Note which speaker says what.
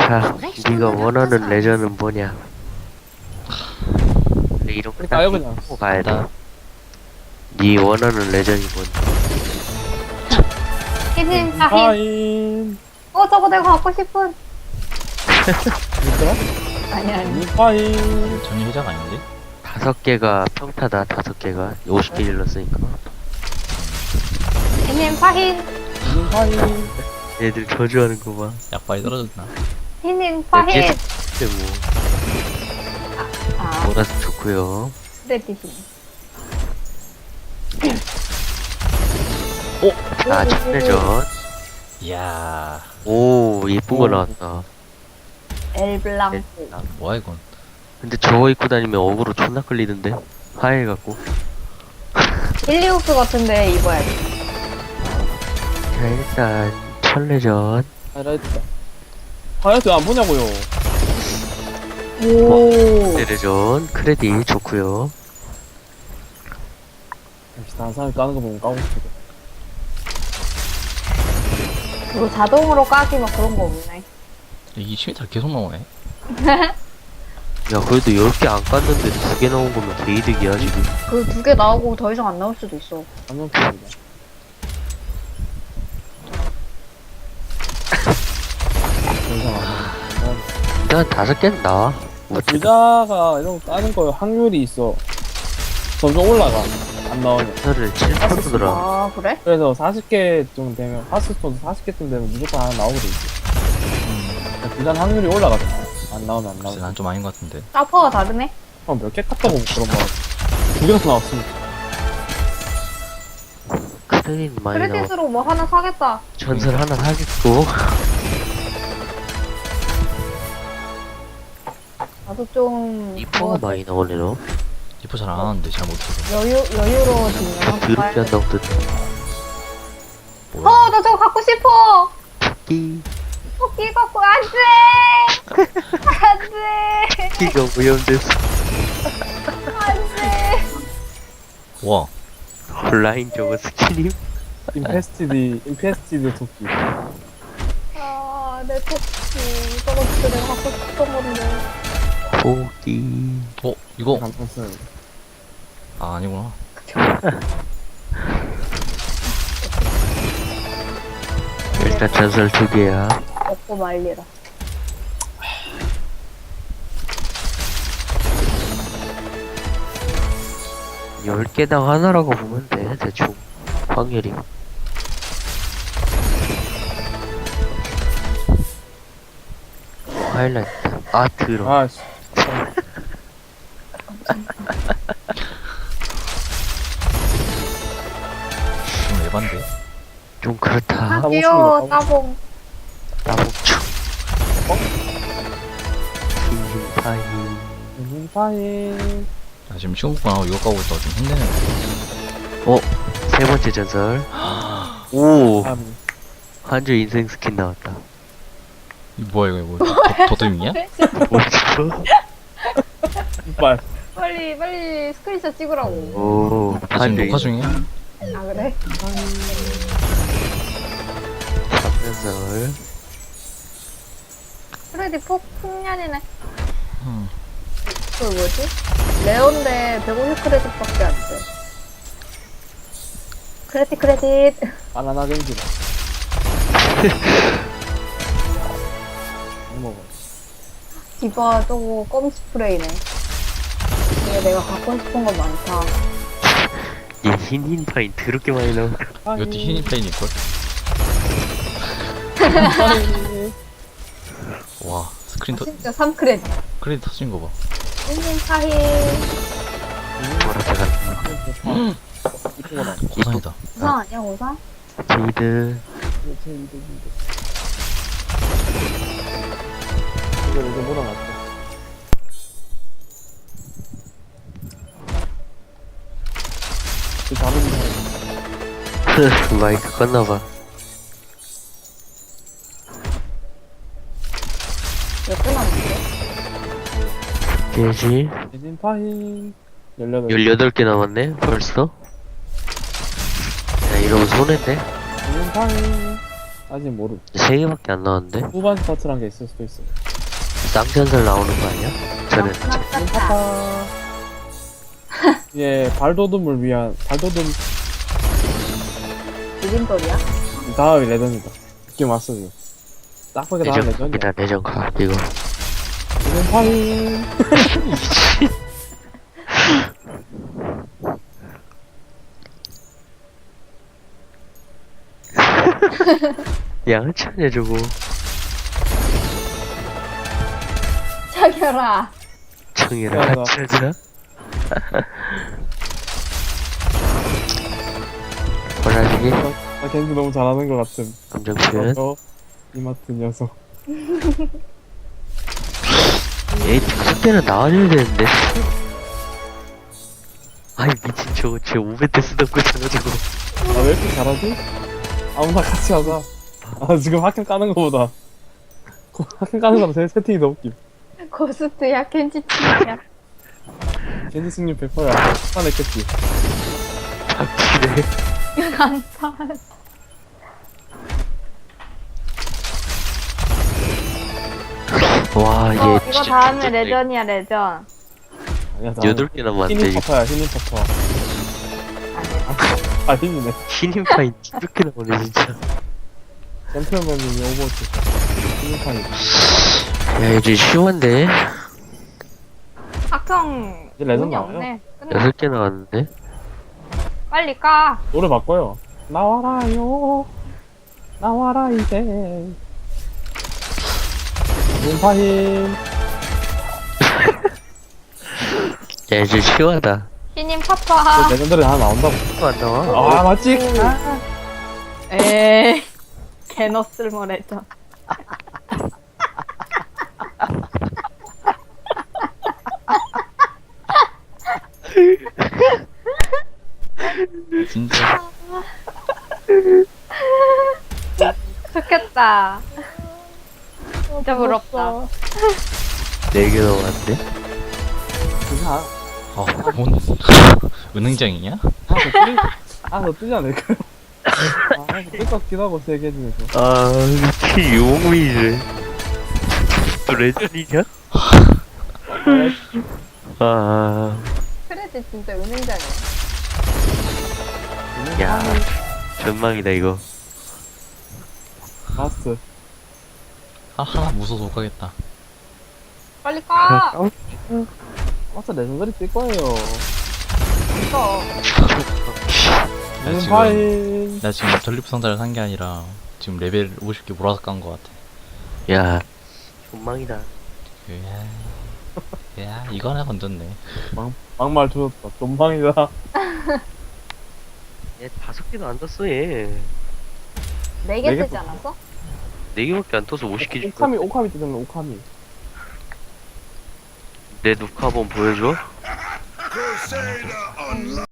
Speaker 1: 자, 네가 원하는 레저는 뭐냐? 그래, 이렇게 딱
Speaker 2: 까요 그냥.
Speaker 1: 찍고 가야 돼. 네 원하는 레전이 뭔지.
Speaker 3: 흰, 다 흰.
Speaker 2: 파인.
Speaker 3: 저거 내가 갖고 싶은.
Speaker 2: 뭐더라?
Speaker 3: 아니.
Speaker 2: 파인.
Speaker 4: 전이 회장 아닌데?
Speaker 1: 5개가 평타다. 5개가 50개 일렀으니까.
Speaker 3: 흰, 파흰.
Speaker 2: 파인.
Speaker 1: 얘들 저주하는 거 봐.
Speaker 4: 약발이 떨어졌나?
Speaker 3: 흰, 파흰.
Speaker 1: 근데 뭐
Speaker 3: 아,
Speaker 1: 몰아서 좋고요.
Speaker 3: 스레티신.
Speaker 1: 자, 첫 레전.
Speaker 4: 이야,
Speaker 1: 오, 예쁜 거 나왔다.
Speaker 3: 엘블랑.
Speaker 4: 뭐야 이건?
Speaker 1: 근데 저거 입고 다니면 어그로 존나 끌리던데. 하얘갖고.
Speaker 3: 일리옥스 같은데 입어야지.
Speaker 1: 자, 일단 첫 레전.
Speaker 2: 하이라이트다. 하이라이트 안 보냐고요.
Speaker 3: 오.
Speaker 1: 네 레전 크레딧 좋고요.
Speaker 2: 역시 다른 사람이 까는 거 보면 까고 싶어.
Speaker 3: 이거 자동으로 까기 막 그런 거 없네.
Speaker 4: 이 시메탈 계속 나오네.
Speaker 1: 야, 그래도 10개 안 깠는데 2개 나온 거면 개이득이야, 지금.
Speaker 3: 그 2개 나오고 더 이상 안 나올 수도 있어.
Speaker 2: 안녕입니다.
Speaker 1: 일단 5개는 나와. 어쨌든.
Speaker 2: 부자가 이런 거 까는 거 확률이 있어. 점점 올라가. 안 나오면.
Speaker 1: 전설을 7%더라.
Speaker 3: 아, 그래?
Speaker 2: 그래서 40개쯤 되면, 하스스톤 40개쯤 되면 무조건 하나 나오게 돼 있어. 부자는 확률이 올라가잖아. 안 나오면 안
Speaker 4: 글쎄
Speaker 2: 나오면.
Speaker 4: 난 좀 아닌 것 같은데.
Speaker 3: 사퍼가 다르네?
Speaker 2: 몇 개 깠다고 그런 거. 2개나 나왔으니까.
Speaker 1: 크레딧 많이 나와.
Speaker 3: 크레딧으로 뭐 하나 사겠다.
Speaker 1: 전설 하나 사겠고.
Speaker 3: 나도 좀.
Speaker 1: 이뻐가 많이 나오네, 너.
Speaker 4: 리포 잘 안 하는데 잘 못해서.
Speaker 3: 여유로워지면 한번
Speaker 1: 드럽게
Speaker 3: 봐야겠다.
Speaker 1: 한다고 듣
Speaker 4: 뭐야?
Speaker 3: 나 저거 갖고 싶어!
Speaker 1: 끼.
Speaker 3: 토끼 갖고, 안 돼! 안 돼!
Speaker 1: 끼가 오염됐어.
Speaker 3: 안 돼!
Speaker 4: 와,
Speaker 1: 온라인 저거 스키님?
Speaker 2: 인페스티드 토끼.
Speaker 3: 내 토끼. 저거 진짜 내가 갖고 싶던 건데.
Speaker 1: 포기.
Speaker 4: 이거
Speaker 2: 간판 쓰는 거.
Speaker 4: 아 아니구나.
Speaker 1: 일단 전설 2개야.
Speaker 3: 먹고 말리라.
Speaker 1: 열 개당 하나라고 보면 돼, 대충. 확률이. 하이라이트. 아, 들어.
Speaker 2: 아, 씨.
Speaker 4: 좀 에반데.
Speaker 1: 좀 그렇다.
Speaker 3: 아,
Speaker 2: 따봉
Speaker 3: 귀여워,
Speaker 2: 칩니다,
Speaker 3: 따봉.
Speaker 1: 나봉충. 흰파이.
Speaker 2: 파인.
Speaker 4: 나 지금 시험 공부 안 하고 이거 까고 있다가 좀 힘드네.
Speaker 1: 세 번째 전설. 오,
Speaker 2: 참.
Speaker 1: 한주 인생 스킨 나왔다.
Speaker 4: 이 뭐야 이거 뭐 도둑이냐?
Speaker 1: 뭐지?
Speaker 2: 이빨.
Speaker 3: 빨리 스크린샷 찍으라고.
Speaker 1: 오,
Speaker 4: 나 지금
Speaker 1: 한주
Speaker 4: 녹화 중이야.
Speaker 3: 아, 그래?
Speaker 1: 전설.
Speaker 3: 크레딧 폭년이네.
Speaker 4: 음.
Speaker 3: 그 뭐지? 레온데 150 크레딧밖에 안 돼. 크레딧.
Speaker 2: 바나나 겐지다. 안 먹어.
Speaker 3: 디바 저거 껌 스프레이네. 이게 내가 갖고 싶은 거 많다.
Speaker 1: 얘 흰파인 더럽게 많이 나온다.
Speaker 4: 이것도 흰 페인일걸?
Speaker 2: 파인.
Speaker 4: 와 스크린 터
Speaker 3: 진짜 3크레딧.
Speaker 4: 크레딧 터진 거 봐.
Speaker 3: 인생 사히.
Speaker 1: 뭐라 제가.
Speaker 2: 이쁜 거다.
Speaker 4: 고상이다.
Speaker 3: 우상 아니야, 우상?
Speaker 1: 제이드.
Speaker 2: 이거 뭐라 났다. 그 다른
Speaker 1: 마이크 껐나봐.
Speaker 3: 몇 개 남았어?
Speaker 1: 깨지.
Speaker 2: 대진 파인. 18.
Speaker 1: 18개 남았네, 벌써? 야, 이러면 손해인데?
Speaker 2: 대진 파인. 아직 모르.
Speaker 1: 3개밖에 안 나왔는데?
Speaker 2: 후반 스타트란 게 있을 수도 있어.
Speaker 1: 쌍전설 나오는 거 아니야? 저는
Speaker 3: 깜짝이야.
Speaker 2: 이게 발도둠을 위한 발도둠
Speaker 3: 비빔돌이야?
Speaker 2: 다음이 레전이다. 느낌 왔어 지금. 딱 보기 다음 레전이야.
Speaker 1: 레전이다 레전카 이거.
Speaker 2: 이건 파인.
Speaker 1: 양치하냐 저거.
Speaker 3: 자결아.
Speaker 1: 청이랑
Speaker 2: 야,
Speaker 1: 같이 하자. 호라지기
Speaker 2: 나 겐지 너무 잘하는 것 같은.
Speaker 1: 감정 표현.
Speaker 2: 이마트 녀석.
Speaker 1: 에이 특수 때는 나와줘야 되는데. 아이 미친 저거 쟤 500대 쓰던 거잖아 저거.
Speaker 2: 아 왜 이렇게 잘하지? 아무나 같이 하자. 아 지금 학교 까는 거보다 학교 까는 거보다 제 세팅이 더 웃김.
Speaker 3: 고스트야, 켄지치야.
Speaker 2: 겐지 승률 100%야. 화냈겠지.
Speaker 1: 박치네.
Speaker 3: 간판.
Speaker 1: 와 얘
Speaker 3: 이거
Speaker 1: 진짜
Speaker 3: 다음에
Speaker 1: 진짜
Speaker 3: 레전이야, 레전.
Speaker 2: 아니야,
Speaker 1: 8개 남았는데
Speaker 2: 신인
Speaker 1: 이거.
Speaker 2: 퍼퍼야 신인 퍼퍼. 아 신이네.
Speaker 1: 신인 파인 2개 나오네 진짜.
Speaker 2: 챔피언맨이 오버워치. 신인 파이.
Speaker 1: 야 이제 쉬운데?
Speaker 3: 학형.
Speaker 2: 이제 레전
Speaker 3: 운이
Speaker 2: 나와요.
Speaker 3: 없네. 끝나.
Speaker 1: 6개 나왔는데?
Speaker 3: 빨리 까.
Speaker 2: 노래 바꿔요. 나와라요. 나와라 이제. 신인 파이.
Speaker 1: 야 이제 쉬워하다.
Speaker 3: 신인 파파.
Speaker 2: 레전드리 하나 나온다고.
Speaker 1: 또 안 나와?
Speaker 2: 아 맞지?
Speaker 3: 에이. 개너쓸모 레전.
Speaker 4: 진짜.
Speaker 3: 좋겠다. 진짜 부럽다.
Speaker 1: 4개 나왔는데?
Speaker 2: 그냥
Speaker 4: 뭔 은행장이냐?
Speaker 2: 너 뜨지 않을까요? 뜰 것 같기도 하고 세개 중에서.
Speaker 1: 아 미친 용미래. 또 레전이냐? 아
Speaker 3: 크레딧 진짜 은행장이야.
Speaker 1: 야 전망이다 이거.
Speaker 2: 마스.
Speaker 4: 하나 무서워서 못 가겠다.
Speaker 3: 빨리 까.
Speaker 2: 마스 레전드리 뜰 거예요.
Speaker 3: 이거.
Speaker 4: 야,
Speaker 2: 신인
Speaker 4: 지금
Speaker 2: 파이.
Speaker 4: 나 지금 전리품 상자를 산 게 아니라 지금 레벨 50개 몰아서 깐 거 같아.
Speaker 1: 야 전망이다.
Speaker 4: 야 이거 하나 건졌네.
Speaker 2: 막말 조졌다. 존방이다.
Speaker 1: 얘 5개도 안 떴어 얘.
Speaker 3: 4개
Speaker 2: 네 개
Speaker 3: 뜨지 않았어?
Speaker 1: 4개밖에 안 떠서 50개 줄 거야.
Speaker 2: 오카미 뜨잖아 오카미.
Speaker 1: 내 녹화 한번 보여줘.